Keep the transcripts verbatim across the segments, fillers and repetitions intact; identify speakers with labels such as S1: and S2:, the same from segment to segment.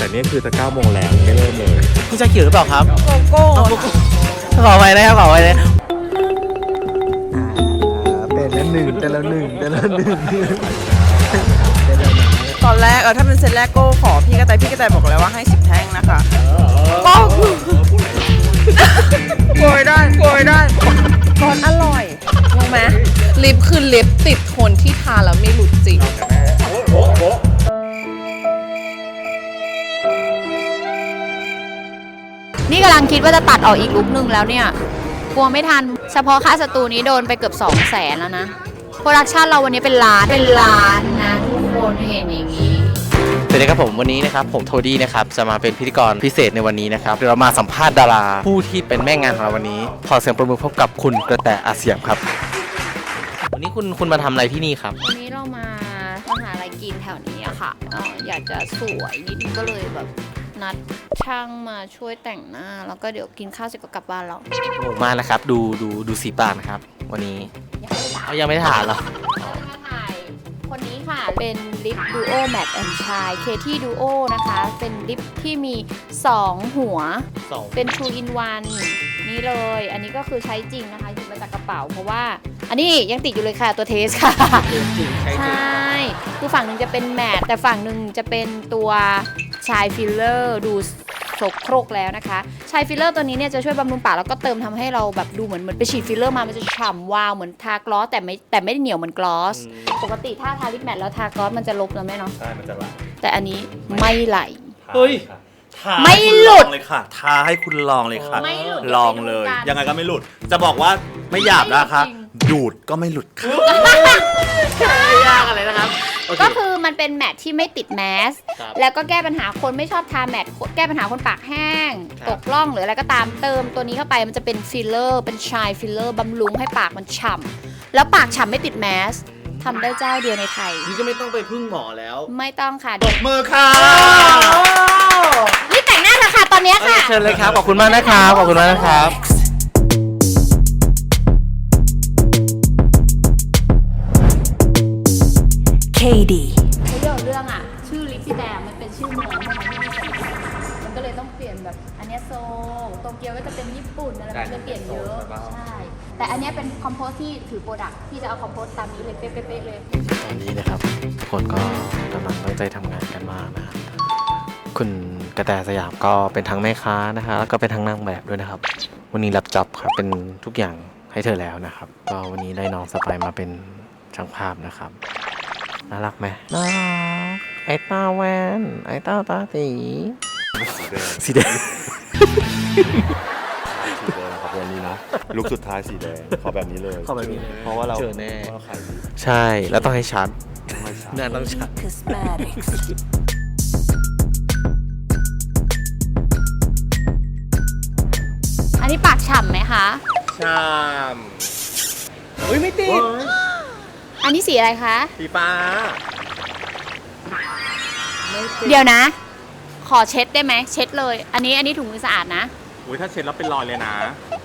S1: แต่นี่คือจะเก้าโมงแล้วไม่เริ่มเลย
S2: คุณจะขิวหรือเปล่าครับ
S3: โกโก้
S2: ขอไว้นะครับขอไว้เลย
S4: เป็นละหนึ่งแต่ละหนึ่งแต่ละหนึ่ง
S3: ตอนแรกเออถ้าเป็นเซตแรกโก้ขอพี่กระต่ายพี่กระต่ายบอกแล้วว่าให้สิบแท่งนะคะก็โกยได้โกยได้ตอนอร่อยงงไหมลิปคือลิปติดทนที่ทาแล้วไม่หลุดจริง
S5: นี่กำลังคิดว่าจะตัดออกอีกลุกนึงแล้วเนี่ยกลัวไม่ทันเฉพาะค่าสตูนี้โดนไปเกือบสองแสนแล้วนะโปรดักชันเราวันนี้เป็นล้านเป็นล้านนะทุกคนเห็นอย่างนี้
S2: สวัสดีครับผมวันนี้นะครับผมโทดี้นะครับจะมาเป็นพิธีกรพิเศษในวันนี้นะครับเดี๋ยวเรามาสัมภาษณ์ดาราผู้ที่เป็นแม่งานของเราวันนี้ขอเสียงปรบมือพบกับคุณกระแตอาเซียมครับวันนี้คุณคุณมาทำอะไรที่นี่ครับ
S5: วันนี้เรามามาหาอะไรกินแถวนี้อะค่ะออยากจะสวยนิดนึงก็เลยแบบนัดช่างมาช่วยแต่งหน้าแล้วก็เดี๋ยวกินข้าวเสร็จก็กลับบ้านแล้ว
S2: มานะครับดูดูดูสีปากนะครับวันนี้ยังไม่ได้ถ่ายหรอ
S5: มาถ่ายคนนี้ค่ะเป็นลิปดูโอแมทแอนด์ชายเคที่ดูโอนะคะเป็นลิปที่มีสองหัวเป็น two in one นี่เลยอันนี้ก็คือใช้จริงนะคะหยิบมาจากกระเป๋าเพราะว่าอันนี้ยังติดอยู่เลยค่ะตัวเทสค่ะใช่คือฝั่งหนึ่งจะเป็นแมทแต่ฝั่งหนึ่งจะเป็นตัวชายฟิลเลอร์ดูโสโครกแล้วนะคะชายฟิลเลอร์ตัวนี้เนี่ยจะช่วยบำรุงปากแล้วก็เติมทำให้เราแบบดูเหมือนเหมือนไปฉีดฟิลเลอร์มามันจะฉ่ำวาวเหมือนทากลอสแต่ไม่แต่ไม่ได้เหนียวเหมือนกลอสปกติถ้าทาลิปแมทแล้วทากลอสมันจะลบแล้วไหมเนาะ
S1: ใช่มันจะไหล
S5: แต่อันนี้ไม่ไหล
S1: เฮ้ย
S5: ไม่หลุด
S1: เลยค่ะทาให้คุณลองเลยค่ะ
S5: ไม่หลุด
S1: ลองเลยยังไงก็ไม่หลุดจะบอกว่าไม่หยาบนะคะดูดก็ไม่หลุดค่ะ
S2: ไม่ยากอะไรนะครับ
S5: ก็คือมันเป็นแมทที่ไม่ติดแมสแล้วก็แก้ปัญหาคนไม่ชอบทาแมทแก้ปัญหาคนปากแห้งตกร่องหรืออะไรก็ตามเติมตัวนี้เข้าไปมันจะเป็นฟิลเลอร์เป็นชายฟิลเลอร์บำรุงให้ปากมันฉ่ำแล้วปากฉ่ำไม่ติดแมสทำได้เจ้าเดียวในไทย
S2: นี่ก็ไม่ต้องไปพึ่งหมอแล้ว
S5: ไม่ต้องค่ะ
S1: ตบมือค่ะ
S5: นี่แต่งหน้าเถอะค่ะตอนนี้ค่ะ
S2: เชิญเลยครับขอบคุณมากนะครับขอบคุณมากนะครับ
S5: เคดีเรื่องเรื่องอ่ะชื่อลิปซี่แดงมันเป็นชื่อเมืองใช่ไหมที่ไม่ใช่มันก็เลยต้องเปลี่ยนแบบอันนี้โซโตเกียวก็จะเป็นญี่ปุ่นอะไรมันจะเปลี่ยนเยอะใช่แต่อันนี้เป็นคอมโพสที่ถือโปรดักที่จะเอาคอมโพสตามนี้เลยเป๊ะๆเลย
S2: ตอนนี้นะครับทุกคนก็กำลังตั้งใจทำงานกันมากนะครับคุณกระแตสยามก็เป็นทั้งแม่ค้านะคะแล้วก็เป็นทั้งนางแบบด้วยนะครับวันนี้รับจ็อบครับเป็นทุกอย่างให้เธอแล้วนะครับก็วันนี้ได้น้องสไปมาเป็นช่างภาพนะครับน่ารักไหมน่ารักไอ้ตาแวนไอ้ตาตาสีสีแดง
S1: สีแดงครับวันนี้นะลุคสุดท้ายสีแดงขอแบบนี้เลย
S2: ขอแบบนี้
S1: เพราะว่าเรา
S2: เจอแน่ใช่แล้วต้องให้ชัดงานต้องชัด
S5: อันนี้ปากฉ่ำไหมคะ
S2: ฉ่ำอุ้ยไม่ติด
S5: อันนี้สีอะไรคะ
S2: สีฟ้า
S5: เดี๋ยวนะขอเช็ดได้ไหมเช็ดเลยอันนี้อันนี้ถุงมือสะอาดนะ
S1: อุ้ยถ้าเช็ดแล้วเป็นรอยเลยนะ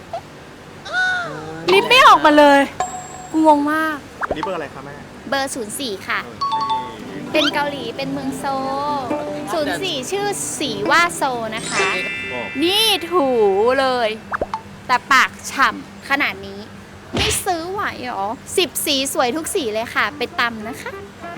S5: ลิปไม่ออกมาเลยกูงงมาก
S1: อันนี้เบอร์อะไรคะแม่
S5: เบอร์ศูนย์สี่ค่ะเป็นเกาหลีเป็นเมืองโซศูนย์สี่ชื่อสีว่าโซนะคะนี่ถูเลยแต่ปากฉ่ำขนาดนี้ไม่ซื้อไหวหรอสิบสีสวยทุกสีเลยค่ะไปตำนะคะ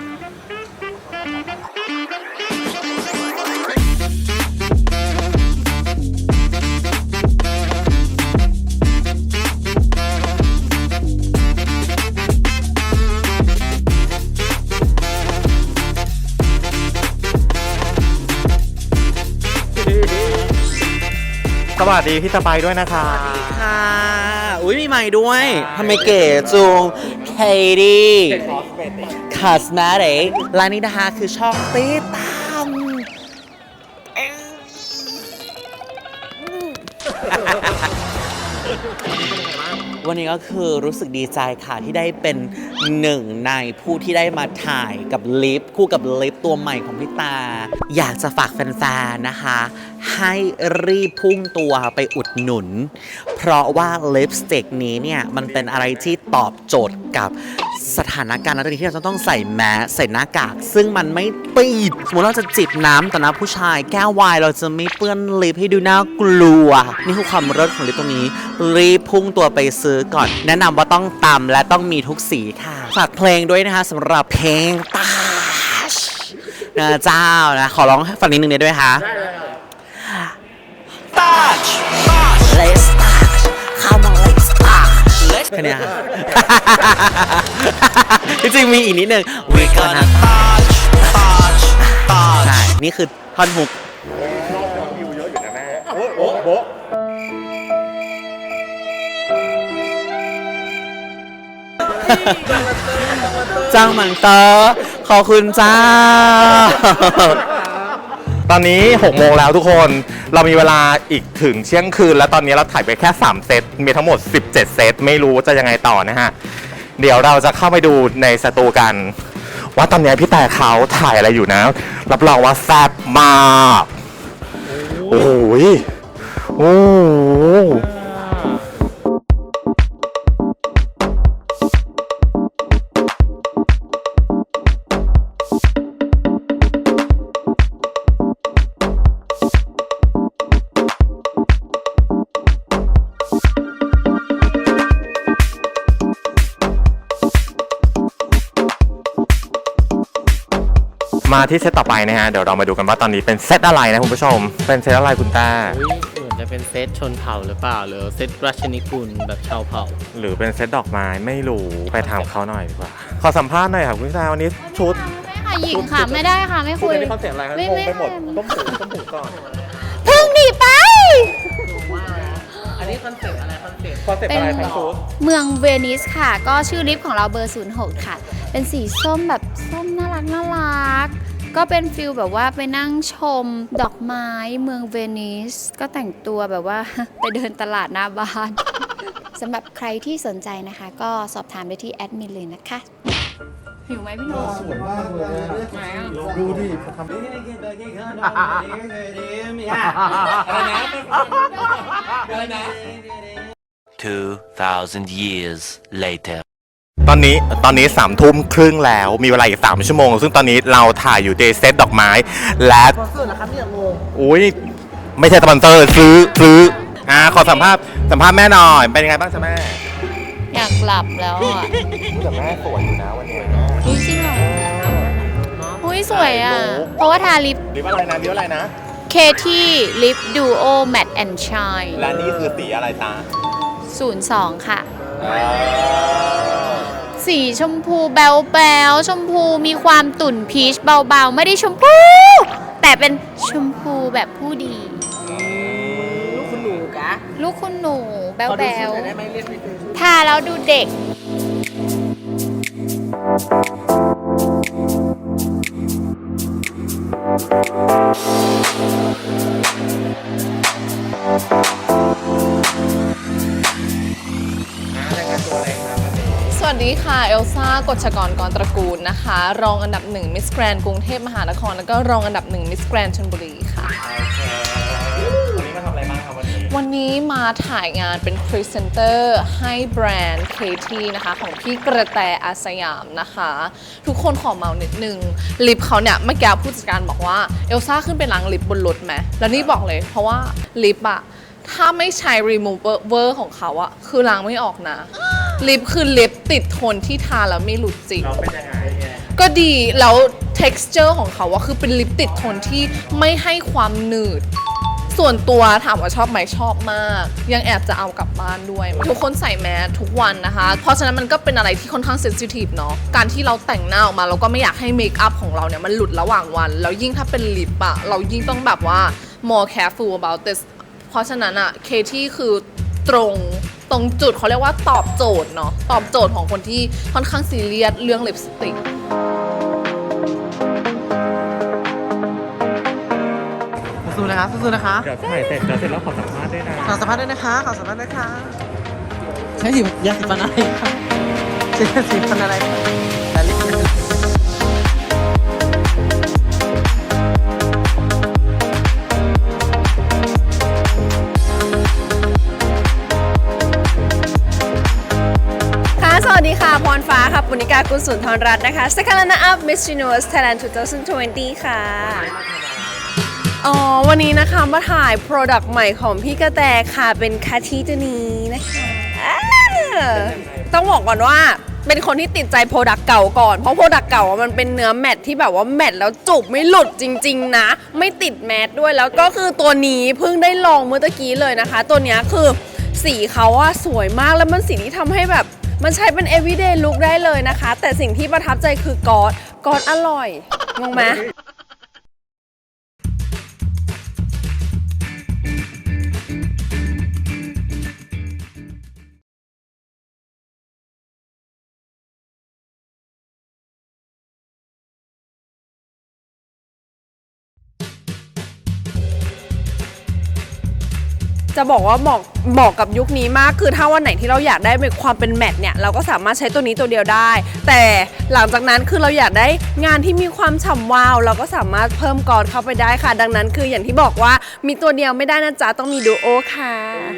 S1: สวัสดีพี่สไปด้วยนะคะ
S2: สวัสดีค่ะอุ้ยมีใหม่ด้วยทำไมเก๋จุงเคดี้คอสเมติกร้านนี้นะคะคือช่องตีตามวันนี้ก็คือรู้สึกดีใจค่ะที่ได้เป็นหนึ่งในผู้ที่ได้มาถ่ายกับลิปคู่กับลิปตัวใหม่ของพี่ตาอยากจะฝากแฟนๆนะคะให้รีบพุ่งตัวไปอุดหนุนเพราะว่าลิปสติกนี้เนี่ยมันเป็นอะไรที่ตอบโจทย์กับ
S6: สถานการณ์นั้นที่เราจะต้องใส่แมสใส่หน้ากากซึ่งมันไม่ปิดสมมติเราจะจิบน้ำต่อหน้าผู้ชายแก้ววายเราจะไม่เปื้อนลิปให้ดูน่ากลัวนี่คือความเลิศของลิปตรงนี้รีบพุ่งตัวไปซื้อก่อนแนะนำว่าต้องตำและต้องมีทุกสีค่ะฝากเพลงด้วยนะคะสำหรับเพลงตาชนะเจ้านะขอร้องฟังนิดนึงได้ด้วยค่ะตาช Let's touch Come on let's touch แค่นี้ค่ะ จริงๆมีอีกนิดนึง We gonna touch touch touch ใช่นี่คือท่อนฮุกจ้างมันเตอร์ขอบคุณจ้า
S2: ตอนนี้หกโมงแล้วทุกคนเรามีเวลาอีกถึงเที่ยงคืนแล้วตอนนี้เราถ่ายไปแค่สามเซตมีทั้งหมดสิบเจ็ดเซตไม่รู้จะยังไงต่อนะฮะเดี๋ยวเราจะเข้าไปดูในสตูกันว่าตอนนี้พี่แต่เขาถ่ายอะไรอยู่นะรับรองว่าแซ่บมากโอ้โหโอ้โหมาที่เซตต่อไปนะฮะเดี๋ยวเรามาดูกันว่าตอนนี้เป็นเซตอะไรนะคุณผู้ชมเป็นเซตอะไรคุณต้า
S7: เหมือนจะเป็นเซตชนเผ่าหรือเปล่าหรือเซตราชนิกุลแบบชาวเผ่า
S2: หรือเป็นเซตดอกไม้ไม่รู้ไปถามเขาหน่อยดีกว่าขอสัมภาษณ์หน่อยค่ะคุณต้าวันนี้ชุด
S5: ไม่ค่ะหญิงค่ะ ไม่ได้ค่ะ ไม่คุย
S2: นี่คอนเซ็ปต์อะไรครับ
S5: ไม่
S2: งง
S5: ไม่
S2: ไปหมดต้มหูต้มหูก่อน
S5: เพิ่งหนีไป
S7: อันนี้คอนเซปต์อะไรคอนเซปต์
S2: คอนเซ็ปต์อะไรครับชุด
S5: เมืองเวนิสค่ะ ก็ชื่อลิฟต์ของเราเบอร์ ศูนย์หก ค่ะ เป็นสีส้มแบบส้มน่ารักน่ารัก ก็เป็นฟิลแบบว่าไปนั่งชมดอกไม้เมืองเวนิส ก็แต่งตัวแบบว่า ไปเดินตลาดหน้าบ้าน สำหรับใครที่สนใจนะคะ ก็สอบถามไปที่แอดมินเลยนะคะ หิวไหมพี่โนสวยมากเลยไหนอ่ะดูดิทำ
S7: อะไรนะ
S8: two thousand years later
S2: ตอนนี้ตอนนี้สามทุ่มครึ่งแล้วมีเวลาอีกสามชั่วโมงซึ่งตอนนี้เราถ่ายอยู่ในเซตดอกไม้และสปอนเซอร์นะครับเนี่ยงงอุ้ยไม่ใช่สปอนเซอร์ซื้อซื้ออ่าขอสัมภาษณ์สัมภาษณ์แม่หน่อยเป็นยังไงบ้างจ๊ะแม่
S5: อยากหลับแล้วอ่ะ
S2: แต่แม่สวยอยู่นะวันนี้
S5: อุ้ยจริงเหรออุ้ยสวยอ่ะ เพราะว่าทาลิป
S2: ลิปอะไรนะลิปอะไรนะ
S5: เคที่ลิปดูโอแมตต์แอนด์ชาย
S2: และนี่คือสีอะไรตา
S5: ศูนย์สองค่ะ สีชมพูแบลแบลชมพูมีความตุ่นพีชเบาๆ ไม่ได้ชมพู แต่เป็นชมพูแบบผู้ดี
S7: ลูกคุณหนูกะ
S5: ลูกคุณหนูแบล
S7: ขอ
S5: แบ
S7: ดูชุด
S5: ล
S7: หน่อยได้ไหมเรียกไปดูชุด
S5: ทาแล้วดูเด็ก
S3: สวัสดีค่ะ เอลซ่ากฎชกรกรตระกูลนะคะ รองอันดับหนึ่งมิสแกรนกรุงเทพมหานคร แล้วก็รองอันดับหนึ่งมิสแกรนชลบุรีค่ะ
S2: วันนี้มาทำอะไรบ้างครับวันนี้
S3: วันนี้มาถ่ายงานเป็นพรีเซนเตอร์ให้แบรนด์ เค ที นะคะ ของพี่กระแตอาสยามนะคะ ทุกคนขอเมานิดนึง ลิปเขาเนี่ยเมื่อกี้ผู้จัดการบอกว่า เอลซ่าขึ้นไปล้างลิปบนรถไหมแล้วนี่บอกเลยเพราะว่าลิปอะถ้าไม่ใช้ remover ของเขาอะคือล้างไม่ออกนะ ลิปคือลิปติดทนที่ทาแล้วไม่หลุดจริง
S2: เราเป็นยังไง
S3: ก็ดีแล้ว texture ของเขาอะคือเป็นลิปติดทนที่ไม่ให้ความหนืด ส่วนตัวถามว่าชอบไหมชอบมาก ยังแอบจะเอากลับบ้านด้วย ทุกคนใส่แมสทุกวันนะคะ เพราะฉะนั้นมันก็เป็นอะไรที่ค่อนข้างเซนซิทีฟเนาะการที่เราแต่งหน้าออกมาเราก็ไม่อยากให้เมคอัพของเราเนี่ยมันหลุดระหว่างวัน แล้วยิ่งถ้าเป็นลิปอะเรายิ่งต้องแบบว่า more careful about this เพราะฉะนั้นอะเคที่คือตรงตรงจุดเขาเรียกว่าตอบโจทย์เนาะตอบโจทย์ของคนที่ค่อนข้างซีเรียสเรื่องลิปสติก
S4: สู้ๆนะคะสู้ๆนะคะ
S2: เดี๋ยวถ่ายเสร็จเดี๋ยวเสร็จแล้วขอสัมภาษณ์ด้วยนะ
S4: ขอสัมภาษณ์ด้วยนะคะขอสัมภาษณ์ด้วยค่ะใช้สียาสีฟันอะไรคะใช้ยาสีฟันอะไรคะแต่ลิปมัน
S3: ค่ะสวัสดีค่ะพรฟ้าค่ะ
S9: ปุณิกา กุลสุนทรรัตน์นะคะ Second Runner-up Miss Universe Thailand สองพันยี่สิบ ค่ะ อ๋อ วันนี้นะคะมาถ่าย Product ใหม่ของพี่กระแตค่ะ เป็นคาทีตัวนี้นะคะอ่าต้องบอกก่อนว่าเป็นคนที่ติดใจ Product เก่าก่อน เพราะ Product เก่ามันเป็นเนื้อแมตที่แบบว่าแมตแล้วจุบไม่หลุดจริงๆนะ ไม่ติดแมตด้วยแล้วก็คือตัวนี้เพิ่งได้ลองเมื่อตะกี้เลยนะคะ ตัวนี้คือสีเขาอะสวยมากแล้วมันสีที่ทำให้แบบมันใช้เป็น everyday look ได้เลยนะคะ แต่สิ่งที่ประทับใจคือกอดกอดอร่อยงงไหม จะบอกว่าเหมาะเหมาะกับยุคนี้มากคือถ้าวันไหนที่เราอยากได้เป็นความเป็นแมทเนี่ยเราก็สามารถใช้ตัวนี้ตัวเดียวได้ แต่หลังจากนั้นคือเราอยากได้งานที่มีความฉ่ำวาวเราก็สามารถเพิ่มกอดเข้าไปได้ค่ะดังนั้นคืออย่างที่บอกว่ามีตัวเดียวไม่ได้นะจ๊ะต้องมีดูโอค่ะ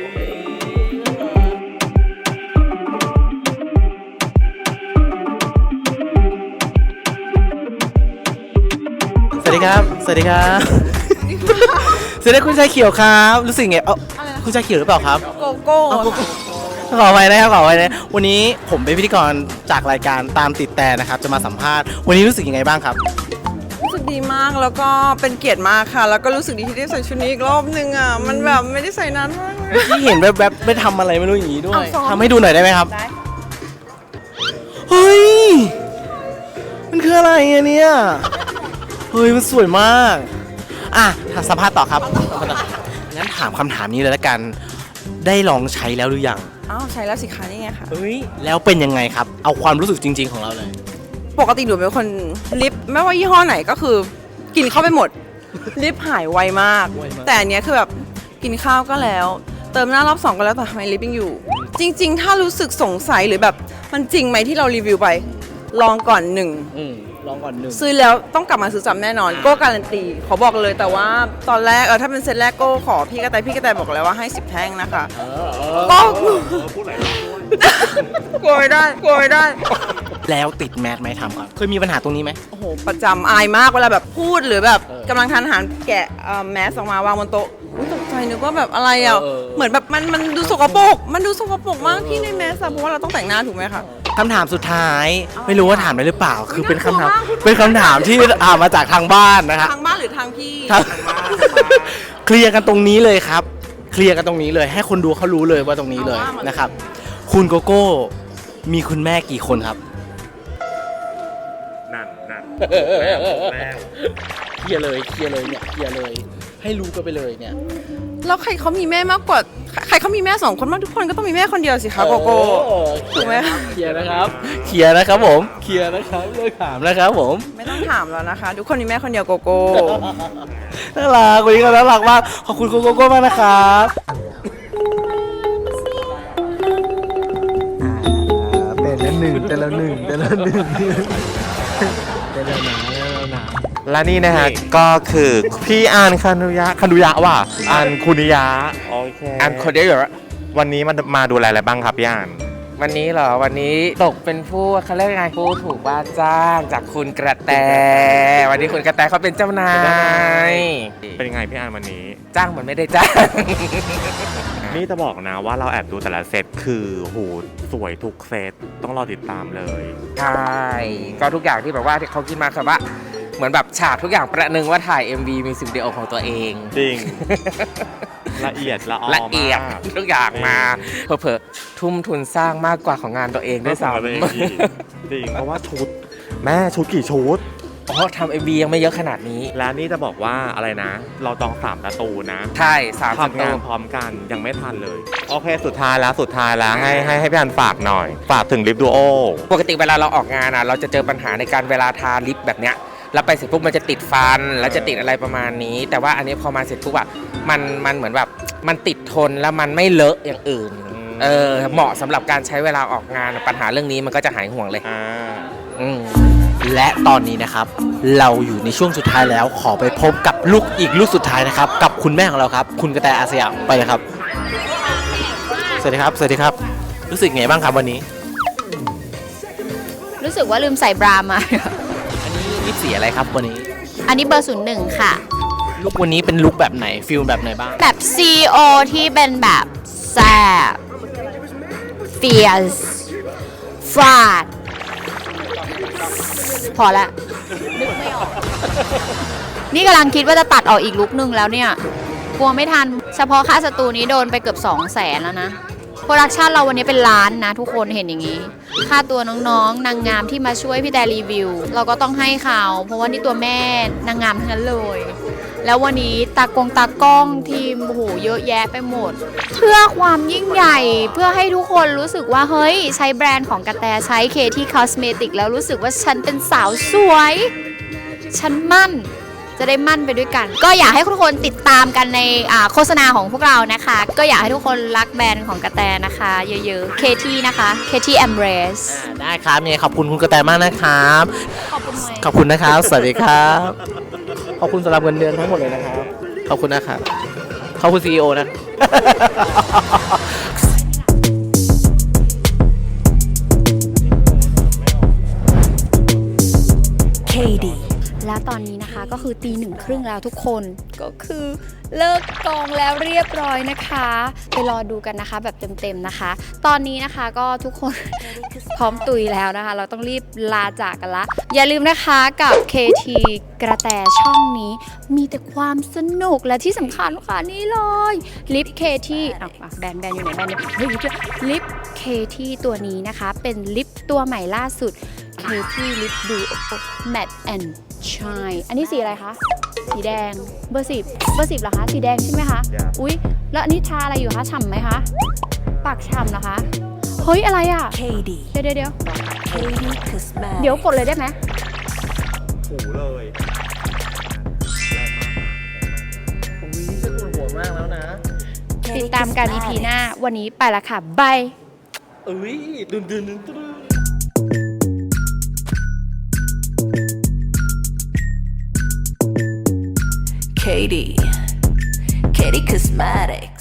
S4: สวัสดีครับ สวัสดีครับ สวัสดีคุณชายเขียวครับ รู้สึกไง เอ้าคุณชายเขียวหรือเปล่าครับ
S9: โกโก้
S4: ขอไปนะครับขอไปนะวันนี้ผมเป็นพิธีกรจากรายการตามติดแต่นะครับ จะมาสัมภาษณ์ วันนี้รู้สึกยังไงบ้างครับ
S10: รู้สึกดีมากแล้วก็เป็นเกียรติมากค่ะ แล้วก็รู้สึกดีที่ได้ใส่ชุดนี้อีกรอบนึงอ่ะ มันแบบไม่ได้ใส่นานมากเลย
S4: ที่เห็นแวบๆไม่ทำอะไรไม่รู้อย่างนี้ด้วยทำให้ดูหน่อยได้ไหมครับ เฮ้ย มันคืออะไรอะเนี่ย เฮ้ย มันสวยมาก อ่ะสัมภาษณ์ต่อครับ งั้นถามคำถามนี้เลยละกัน ได้ลองใช้แล้วหรือยัง
S10: อ้าวใช้แล้วสิคะนี่ไงค่ะ
S4: เฮ้ย แล้วเป็นยังไงครับ เอาความรู้สึกจริง ๆของเราเลย
S10: ปกติหนูเป็นคนลิปไม่ว่ายี่ห้อไหนก็คือ กินเข้าไปหมด ลิปหายไวมาก
S4: ไวมาก
S10: แต่อันเนี้ยคือแบบกินข้าวก็แล้ว เติมหน้ารอบสองก็แล้วแต่ทำไมลิปยังอยู่ จริง ๆ ถ้ารู้สึกสงสัยหรือแบบมันจริงไหมที่เรารีวิวไป ลองก่อนหนึ่ง
S4: อืมลองก่อนหนึ่ง
S10: ซื้อแล้วต้องกลับมาซื้อซ้ำแน่นอนโก้การันตีขอบอกเลยแต่ว่าตอนแรกเออถ้าเป็นเซตแรกโก้ขอพี่กระต่ายพี่กระต่ายบอกแล้วว่าให้สิบแท่งนะคะก็กลัวไม่ได้กลัวไม่ได้
S4: แล้วติดแมสไหมทำครับ เคยมีปัญหาตรงนี้ไหม
S10: โอ้โหประจำอายมากเวลาแบบพูดหรือแบบ
S4: เออ
S10: กำลังทานอาหารแกะเอ่อแมสออกมาวางบนโต๊ะอุ๊ยตกใจนึกว่าแบบอะไรอ่ะ
S4: เออ
S10: เหมือนแบบมันมันดูสกปรกมันดูสกปรกมากพี่ในแมสอะเพราะว่าเราต้องแต่งหน้าถูกไหมคะ
S4: คำถามสุดท้าย ไม่รู้ว่าถามได้หรือเปล่า คือเป็นคำถาม
S10: น่ากลัวมาก
S4: เป็นคำถามที่อ่ามาจากทางบ้านนะครับ
S10: ทางบ้านหรือทางพี่
S4: ทางเคลียร์กันตรงนี้เลยครับ เคลียร์กันตรงนี้เลย ให้คนดูเขารู้เลยว่าตรงนี้เลยนะครับ คุณโกโก้มีคุณแม่กี่คนครับ
S1: นั่นนั่น
S4: เคลียร์เลยเคลียร์เลยเนี่ยเคลียร์เลย ให้รู้กันไปเลยเนี่ย
S10: แล้วใครเขามีแม่มากกว่าใครเขามีแม่สองคนมากทุกคนก็ต้องมีแม่คนเดียวสิคะโกโก้ ถูกไหม
S4: เคลียร์นะครับเคลียร์นะครับผมเคลียร์นะครับเลิกถามนะครับผม
S10: ไม่ต้องถามแล้วนะคะ ทุกคนมีแม่คนเดียวโกโก้
S4: น่ารักวันนี้ก็น่ารักมากขอบคุณคุณโกโก้มากนะครับเป็นละหนึ่งเป็นละหนึ่งเป็นละหนึ่งเป็นละหนาเป็นละหนา
S1: และนี่นะฮะก็คือพี่อานคานุยะคานุยะว่ะอานคุนิยะ
S2: โอเค
S1: อานคนเดียวอยู่แล้ววันนี้มันมาดูแลอะไรบ้างครับพี่อาน
S2: วันนี้เหรอ วันนี้ตกเป็นผู้เขาเรียกไงผู้ถูกว่าจ้างจากคุณกระแต วันนี้คุณกระแตเขาเป็นเจ้านาย
S1: เป็นยังไงพี่อานวันนี้
S2: จ้างเหมือนไม่ได้จ้าง
S1: นี่จะบอกนะว่าเราแอบดูแต่ละเซตคือโหสวยทุกเซตต้องรอติดตามเลย
S2: ใช่ ก็ทุกอย่างที่แบบว่าที่เขาคิดมาคือว่า เหมือนแบบฉากทุกอย่างประหนึ่งว่าถ่าย เอ็ม วี มิวสิกวิดีโอของตัวเอง
S1: จริง ละเอียดละออ
S2: ละเอียด
S1: มาก
S2: ทุกอย่างมาเผลอๆทุ่มทุนสร้างมากกว่าของงานตัวเองด้วยซ้
S1: ไม่สำเร็จอีก
S2: ำ
S1: จริงเพราะว่าชุด แม่ชุดกี่ชุด
S2: อ๋อทำ เอ็ม วี ยังไม่เยอะขนาดนี้
S1: และนี่จะบอกว่าอะไรนะ เราจองสามประตูนะ
S2: ใช่สามสิบ
S1: ทำงานพร้อมกันยังไม่ทันเลย โอเคสุดท้ายแล้วสุดท้ายแล้วให้ให้ให้พี่อันฝากหน่อย ฝากถึงลิฟดูโอ
S2: ปกติเวลาเราออกงานอ่ะเราจะเจอปัญหาในการเวลาทาลิปแบบเนี้ยแล้วไปเสร็จปุ๊บมันจะติดฟันแล้วจะติดอะไรประมาณนี้ แต่ว่าอันนี้พอมาเสร็จปุ๊บอ่ะมันมันเหมือนแบบมันติดทนแล้วมันไม่เลอะอย่างอื่นเออเหมาะสำหรับการใช้เวลาออกงานปัญหาเรื่องนี้มันก็จะหายห่วงเลย
S1: อ่า
S2: อืม
S4: และตอนนี้นะครับ เราอยู่ในช่วงสุดท้ายแล้วขอไปพบกับลูกอีกลูกสุดท้ายนะครับ กับคุณแม่ของเราครับ คุณกระแตอาสยามไปเลยครับ สวัสดีครับ สวัสดีครับ รู้สึกไงบ้างครับวันนี้
S5: รู้สึกว่าลืมใส่บรามา
S4: อันนี้ลิปสีอะไรครับวันนี้
S5: อันนี้เบอร์ศูนย์หนึ่งค่ะ
S4: ลุควันนี้เป็นลุคแบบไหนฟิลแบบไหนบ้าง
S5: แบบ ซี โอ ที่เป็นแบบแซ่บ fierce ฟาด พอละนึกไม่ออก นี่กำลังคิดว่าจะตัดออกอีกลุคนึงแล้วเนี่ย กลัวไม่ทัน เฉพาะค่าสตูนี้โดนไปเกือบสองแสนแล้วนะ โปรดักชันเราวันนี้เป็นล้านนะทุกคนเห็นอย่างนี้ ค่าตัวน้องๆ นางงามที่มาช่วยพี่แต่รีวิว เราก็ต้องให้เขา เพราะว่านี่ตัวแม่นางงามทั้งนั้นเลย แล้ววันนี้ตากงตากล้องทีมโอ้โหเยอะแยะไปหมด เพื่อความยิ่งใหญ่เพื่อให้ทุกคนรู้สึกว่าเฮ้ยใช้แบรนด์ของกระแตใช้เคที่คอสเมติกแล้วรู้สึกว่าฉันเป็นสาวสวย ฉันมั่นจะได้มั่นไปด้วยกัน ก็อยากให้ทุกคนติดตามกันในโฆษณาของพวกเรานะคะ ก็อยากให้ทุกคนรักแบรนด์ของกระแตนะคะ เยอะๆ เคที่นะคะ เคที่ Embrace
S4: อ่าได้ครับยังไงขอบคุณคุณกระแตมากนะครับ
S5: ขอบคุณไหม
S4: ขอบคุณนะครับ สวัสดีครับ ขอบคุณสำหรับเงินเดือนทั้งหมดเลยนะครับ ขอบคุณนะครับ ขอบคุณซีอีโอนะ
S5: แล้วตอนนี้นะคะก็คือตีหนึ่งครึ่งแล้วทุกคนก็คือเลิกกองแล้วเรียบร้อยนะคะไปรอดูกันนะคะแบบเต็มๆนะคะ ตอนนี้นะคะก็ทุกคน พร้อมตุยแล้วนะคะ เราต้องรีบลาจากกันละอย่าลืมนะคะกับ เค ที กระแตช่องนี้มีแต่ความสนุกและที่สำคัญค่ะนี่เลยลิป เค ที อ่ะแบรนด์แบรนด์อยู่ไหนแบรนด์เฮ้ยลิป เค ที ตัวนี้นะคะเป็นลิปตัวใหม่ล่าสุด เค ที Lip Duo Matte and Shine อันนี้สีอะไรคะ สีแดง เบอร์สิบเบอร์สิบเหรอคะ สีแดงใช่ไหมคะ อุ๊ย แล้วอันนี้ทาอะไรอยู่คะ ฉ่ำไหมคะ ปากฉ่ำเหรอคะ เฮ้ย อะไรอ่ะ เค ดี เดี๋ยวเดี๋ยวเดี๋ยวเดี๋ยวกดเลยได้ไหม
S1: หูเลย
S4: หัวมากแล้วนะ
S5: ติดตามกัน อี พี หน้า วันนี้ไปละค่ะ บาย
S4: เอ้ยดึนดึนดึนดึน
S11: Katie, Katie Cosmetic.